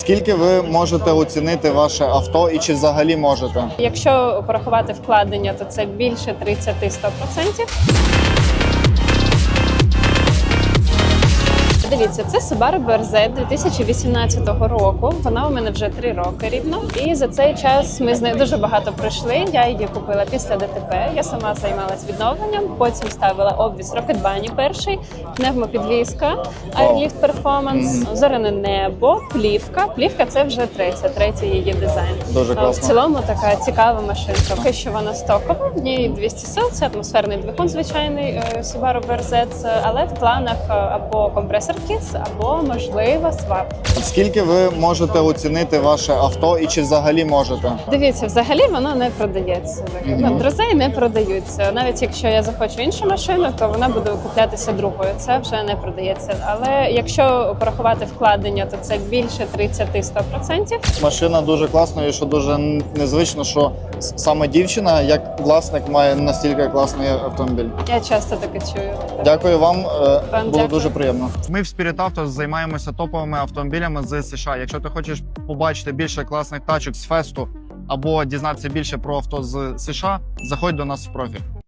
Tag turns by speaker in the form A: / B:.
A: Скільки ви можете оцінити ваше авто і чи взагалі можете?
B: Якщо порахувати вкладення, то це більше 30-100%. Дивіться, це Subaru BRZ 2018 року. Вона у мене вже 3 роки рівно. І за цей час ми з нею дуже багато пройшли. Я її купила після ДТП. Я сама займалась відновленням, потім ставила обвіз рокетбані перший, пневмопідвізка, Airlift Performance, зоряне небо, плівка. Плівка – це вже третій її дизайн.
A: Дуже класно.
B: В цілому така цікава машинка. Поки що вона стокова, в ній 200 сил, це атмосферний двигун звичайний Subaru BRZ, але в планах або компресор KISS, або, можливо, свап.
A: Скільки ви можете оцінити ваше авто і чи взагалі можете?
B: Дивіться, взагалі воно не продається. Друзей не продаються. Навіть якщо я захочу іншу машину, то вона буде куплятися другою. Це вже не продається. Але якщо порахувати вкладення, то це більше 30-100%.
A: Машина дуже класна і що дуже незвично, що саме дівчина, як власник, має настільки класний автомобіль.
B: Я часто таке чую.
A: Дякую вам, було
B: дякую.
A: дуже приємно. Ми в Spirit Auto займаємося топовими автомобілями з США. Якщо ти хочеш побачити більше класних тачок з фесту або дізнатися більше про авто з США, заходь до нас в профіль.